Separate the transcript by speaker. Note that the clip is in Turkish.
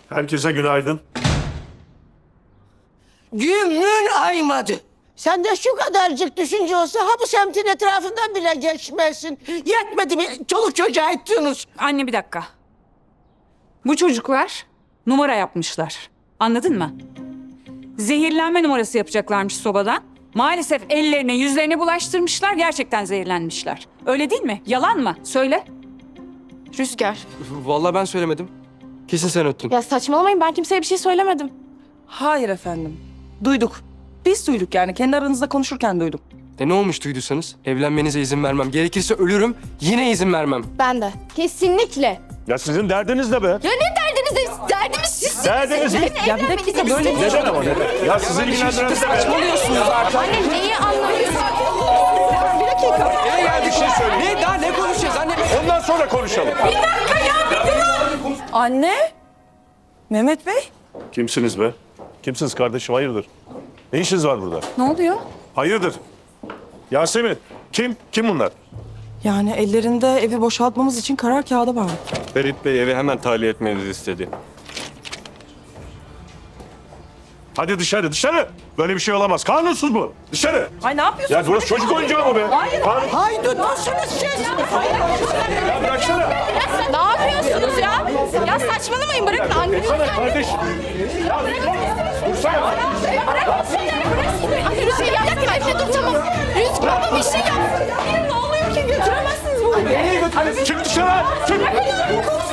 Speaker 1: Herkese günaydın.
Speaker 2: Günün aymadı. Sen de şu kadarcık düşünce olsa ha bu semtin etrafından bile geçmezsin. Yetmedi mi çoluk çocuğa ettiniz?
Speaker 3: Anne bir dakika. Bu çocuklar numara yapmışlar. Anladın mı? Zehirlenme numarası yapacaklarmış sobadan. Maalesef ellerine yüzlerine bulaştırmışlar. Gerçekten zehirlenmişler. Öyle değil mi? Yalan mı? Söyle.
Speaker 4: Rüzgar.
Speaker 5: Vallahi ben söylemedim. Kesin sen öttün.
Speaker 4: Ya saçmalamayın, ben kimseye bir şey söylemedim.
Speaker 6: Hayır efendim. Duyduk. Biz duyduk yani. Kendi aranızda konuşurken duyduk.
Speaker 5: Ne olmuş duyduysanız? Evlenmenize izin vermem. Gerekirse ölürüm, yine izin vermem.
Speaker 4: Ben de. Kesinlikle.
Speaker 1: Ya sizin derdiniz ne be?
Speaker 4: Ya ne derdiniz? Derdimiz sizsiniz.
Speaker 1: Derdiniz mi?
Speaker 6: Ya bir dakika böyle
Speaker 1: Neden ama neden? Ya sizi ilgilendiren ne be?
Speaker 6: saçmalıyorsunuz artık.
Speaker 4: Anne neyi anlamıyorsun?
Speaker 6: Bir dakika.
Speaker 5: Ne ya bir şey söyle. Ne daha ne konuşacağız anne?
Speaker 1: Ondan sonra konuşalım.
Speaker 6: Anne. Mehmet Bey.
Speaker 1: Kimsiniz be? Kimsiniz kardeşim? Hayırdır? Ne işiniz var burada?
Speaker 3: Ne oluyor?
Speaker 1: Hayırdır? Yasemin, kim? Kim bunlar?
Speaker 6: Yani ellerinde evi boşaltmamız için karar kağıdı var.
Speaker 7: Ferit Bey evi hemen tahliye etmenizi istedi.
Speaker 1: Hadi dışarı, dışarı! Böyle bir şey olamaz. Kanunsuz bu. Dışarı!
Speaker 6: Ay ne yapıyorsun?
Speaker 1: Ya burası çocuk oyuncağı mı be? Hayır.
Speaker 2: Haydutmuşsunuz siz.
Speaker 1: Ya bıraksana!
Speaker 4: Ne yapıyorsunuz ya? Ya saçmalamayın, bırakın annemi.
Speaker 1: Sana kardeş! Dursana!
Speaker 4: Anne Rüzgar yapma, Efe dur tamam. Rüzgar baba bir şey yap. Ne oluyor ki, götüremezsiniz bunu.
Speaker 1: Çık dışarı! Çık!